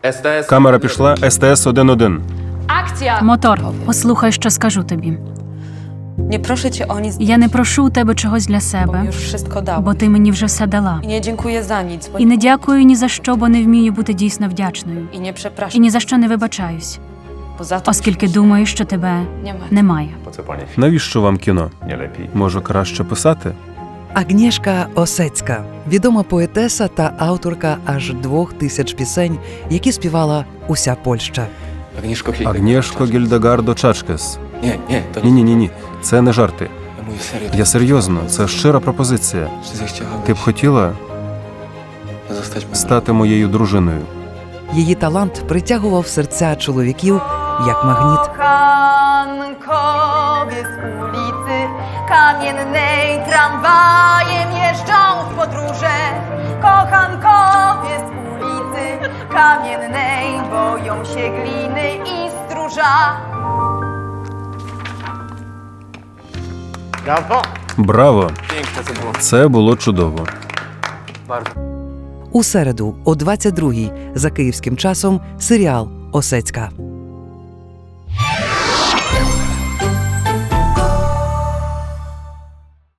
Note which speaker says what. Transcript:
Speaker 1: Камера пішла, СТС-1-1.
Speaker 2: Akcja!
Speaker 3: Мотор, послухай, що скажу тобі.
Speaker 4: Nie proszę cię o nic,
Speaker 3: Я не прошу у тебе чогось для
Speaker 4: bo
Speaker 3: себе,
Speaker 4: już wszystko dałam.
Speaker 3: бо ти мені вже все дала.
Speaker 4: I nie dziękuję za nic, bo
Speaker 3: І не дякую ні за що, бо не вмію бути дійсно вдячною.
Speaker 4: i nie
Speaker 3: І
Speaker 4: przepraszam,
Speaker 3: ні за що не вибачаюсь,
Speaker 4: bo za to
Speaker 3: оскільки думаю, що тебе
Speaker 4: nie ma.
Speaker 3: немає.
Speaker 1: Навіщо вам кіно? Може, краще писати?
Speaker 5: Агнєшка Осецька – відома поетеса та авторка аж 2000 пісень, які співала уся Польща.
Speaker 1: Агнєшко Гільдегардо Чачкес.
Speaker 6: Nie, nie, to
Speaker 1: Ні, це не жарти.
Speaker 6: ja mówię serio.
Speaker 1: Я серйозно, це щира пропозиція.
Speaker 6: Czy zechciałabyś
Speaker 1: Ти б хотіла
Speaker 6: zostać moją
Speaker 1: стати моєю дружиною?
Speaker 5: Її талант притягував серця чоловіків як магніт.
Speaker 7: Kochankowie z ulicy Kamiennej tramwajem jeżdżą w podróże. Kochankowie z ulicy Kamiennej boją się gliny i stróża.
Speaker 1: Браво!
Speaker 6: piękne to było.
Speaker 1: Це було чудово.
Speaker 5: У середу о 22-й за київським часом серіал «Осецька».